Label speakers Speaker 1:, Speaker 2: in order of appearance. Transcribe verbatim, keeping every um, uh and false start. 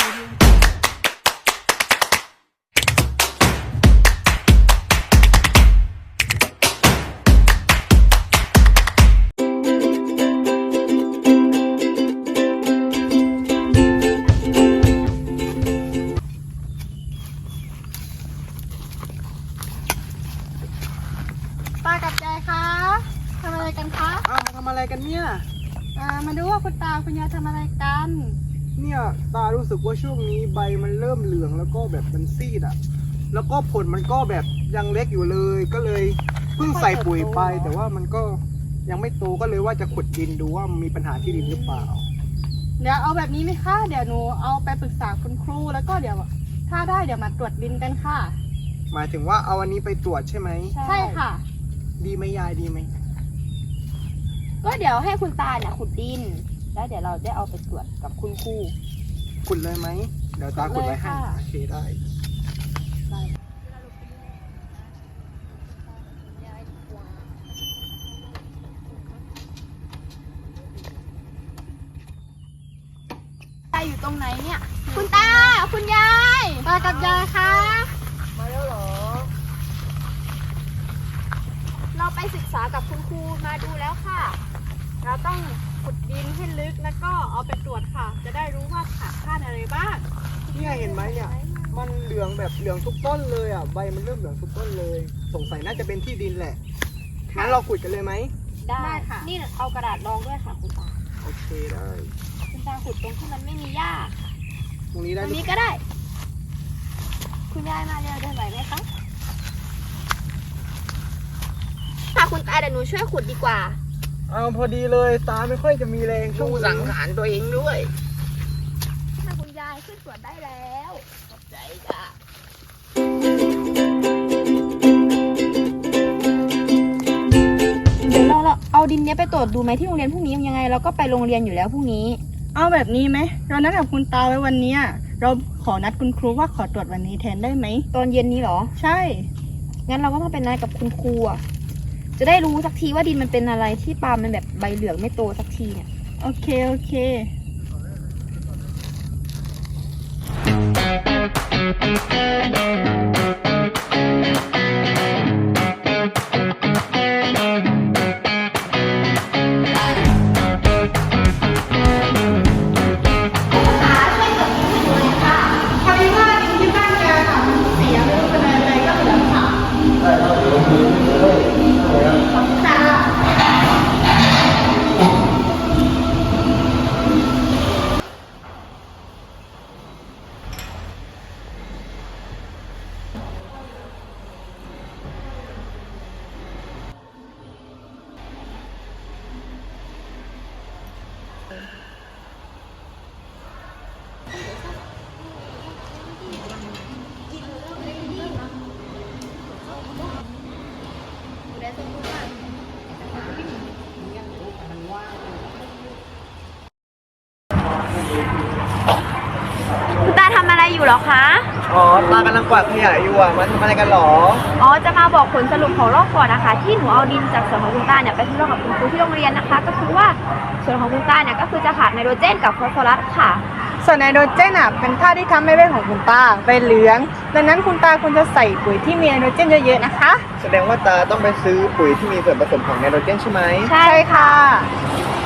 Speaker 1: ตากับยายคะทำอะไรกันคะ
Speaker 2: อ้าวมาทำอะไรกันเนี่ย
Speaker 1: อ่ามาดูว่าคุณตาคุณยายทำอะไรกัน
Speaker 2: เนี่ยตารู้สึกว่าช่วงนี้ใบมันเริ่มเหลืองแล้วก็แบบมันซีดอ่ะแล้วก็ผลมันก็แบบยังเล็กอยู่เลยก็เลยเพิ่งใส่ปุ๋ยไปแต่ว่ามันก็ยังไม่โตก็เลยว่าจะขุดดินดูว่ามีปัญหาที่ดินหรือเปล่า
Speaker 1: เดี๋ยวเอาแบบนี้ไหมคะเดี๋ยวหนูเอาไปปรึกษาคุณครูแล้วก็เดี๋ยวถ้าได้เดี๋ยวมาตรวจดินกันค่ะ
Speaker 2: หมายถึงว่าเอาอันนี้ไปตรวจใช่ไหม
Speaker 1: ใช่ค่ะ
Speaker 2: ดีไหมยายดีไหม
Speaker 3: ก็เดี๋ยวให้คุณตาเนี่ยขุดดิน แล้วเดี๋ยวเราได้เอาไปตรวจกับคุณครู
Speaker 2: ขุดเลยไหมเดี๋ยวตาขุดไว้ให้โอเคได้
Speaker 3: ตาอยู่ตรงไหนเนี่ย คุณตา คุณยาย
Speaker 1: ตากับยายคะ
Speaker 2: มาแล้วเหรอ
Speaker 3: เราไปศึกษากับคุณครูมาดูแล้วค่ะ
Speaker 1: เราต้องขุดดินให้ลึกแล้วก็เอาไปตรวจค่ะ จะได้รู้ว่าขาดธาตุอะไรบ้าง
Speaker 2: เนี่ยเห็นไหมเนี่ยมันเหลืองแบบเหลืองทุกต้นเลยอ่ะใบมันเริ่มเหลืองทุกต้นเลย สงสัยน่าจะเป็นที่ดินแหละงั้นเราขุดกันเลยไหม
Speaker 3: ได้
Speaker 1: ได้ค่ะ
Speaker 3: นี่เอากระดาษรองด้วยค่ะคุณตา
Speaker 2: โอเคได้
Speaker 3: คุณตาขุดตรงที่มันไม่มีหญ้า
Speaker 2: ตรงนี้
Speaker 3: ต
Speaker 2: ได้
Speaker 3: รงนี้ก็ได้ คุณยายมาเร็วได้ไหวไหมคะค่ะคุณตาเดี๋ยวหนูช่วยขุดดีกว่า
Speaker 2: เอาพอดีเลยตาไม่ค่อยจะมีแรงช่วงสังหารตัวเองด้วย
Speaker 3: ถ้าคุณยายขึ้นสวนได้แล้วขอบใจจ้ะเดี๋ยวเราเราเอาดินเนี้ยไปตรวจดูไหมที่โรงเรียนพรุ่งนี้ยังไงเราก็ไปโรงเรียนอยู่แล้วพรุ่งนี้
Speaker 1: เอาแบบนี้ไหมเรานัดกับคุณตาไว้วันเนี้ยเราขอนัดคุณครูว่าขอตรวจวันนี้แทนได้ไหม
Speaker 3: ตอนเย็นนี้เหรอ
Speaker 1: ใช่
Speaker 3: งั้นเราก็ต้องเป็นนัดกับคุณครูอ่ะ จะได้รู้สักทีว่าดินมันเป็นอะไรที่ปาล์มมันแบบใบเหลืองไม่โตสักทีเนี่ย
Speaker 1: โอเคโอเค พอดีว่าดินที่บ้านแกค่ะมันเสียไม่รู้เป็นอะไรก็เหลืองค่ะค่ะ
Speaker 3: คุณตาทำอะไรอยู่เหรอคะ
Speaker 2: อ๋อตากำลังกวาดขยะอยู่อ่ะมันทำอะไรกันหรอ
Speaker 3: อ๋อ จะมาบอกผลสรุปของรอบก่อนนะคะ ที่หนูเอาดินจากสวนของคุณตาเนี่ยไปทดลองกับคุณครูที่โรงเรียนนะคะ ก็คือว่าส่วนของคุณตาเนี่ยก็คือจะขาดไนโตรเจนกับฟอสฟอรัสค่ะ
Speaker 1: ส่วนไนโตรเจนอ่ะเป็นธาตุที่ทำให้ใบของคุณตาใบเหลือง ดังนั้นคุณตาควรจะใส่ปุ๋ยที่มีไนโตรเจนเยอะๆนะคะ
Speaker 2: แสดงว่าตาต้องไปซื้อปุ๋ยที่มีส่วนผสมของไนโตรเจนใช่ไหม
Speaker 3: ใช่
Speaker 1: ใช่ค่ะ